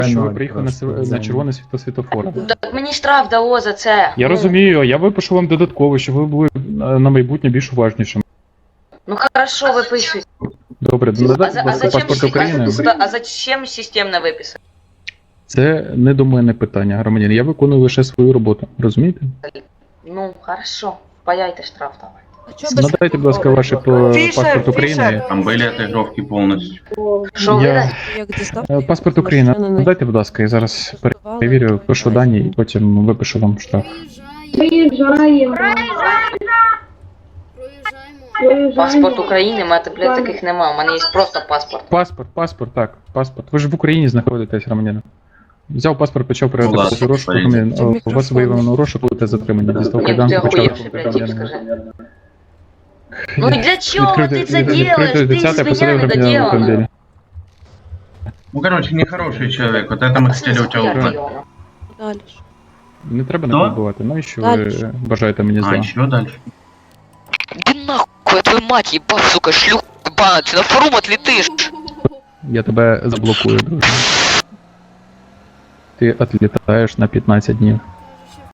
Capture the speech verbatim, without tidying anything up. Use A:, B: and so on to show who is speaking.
A: що ви приїхали на, св- на червоне світло світофор.
B: Так мені штраф дало за це.
A: Я
B: Ну,
A: розумію, я випишу вам додатково, щоб ви були е, на майбутнє більш уважнішими.
B: Ну хорошо, виписуйте.
A: Добре,
B: А,
A: надайте,
B: за,
A: будь
B: а,
A: ласка,
B: зачем,
A: паспорт України.
B: а, а зачем системно виписати?
A: Це не до мене питання, громадян. Я виконую лише свою роботу. Розумієте?
B: Ну, хорошо. Впаяйте штраф давай.
A: Надайте, будь ласка, ваш паспорт України.
C: Там были отыгровки полностью.
B: Що ви
A: Я...
B: далі?
D: Як дістав,
A: Е, Паспорт України. Надайте, будь ласка, я зараз перевірю, пишу дані і потім випишу вам штраф.
E: Приїжджаємо.
B: Паспорт України, у мене, блядь, таких нема. У мене є просто паспорт.
A: Паспорт, паспорт, так, паспорт. Ви ж в Україні знаходитесь, громадянин. Взяв паспорт, почав
C: Ну, ладно,
A: перевіряти розшуку, громадянин. У вас виявлено розшук, будете затримані. Дістав
B: Ні,
A: кайдан,
B: ти
A: почав
B: охуєвший,
A: рухати
B: блядь, тип,
A: громадянина.
B: скажи. Ну і для чого ти
A: Відкрити-
B: це
A: відкрити
B: делаєш? Ти
A: десяте,
B: з
A: посадив
B: меня
A: громадянина в
B: недоделано.
A: автомобілі.
C: Ну, короче, нехороший человек. Вот это мы хотели у тебя узнать.
D: далі.
A: Не треба
C: Що?
A: не побувати. Ну і що ви
D: Дальше.
A: бажаєте мені
C: А,
A: зла?
C: еще дальше.
F: Иди нахуй, я твою мать ебал, сука, шлюх ебаная, ты на форум отлетишь.
A: Я тебе заблокую, друже. Ти відлітаєш на п'ятнадцять днів.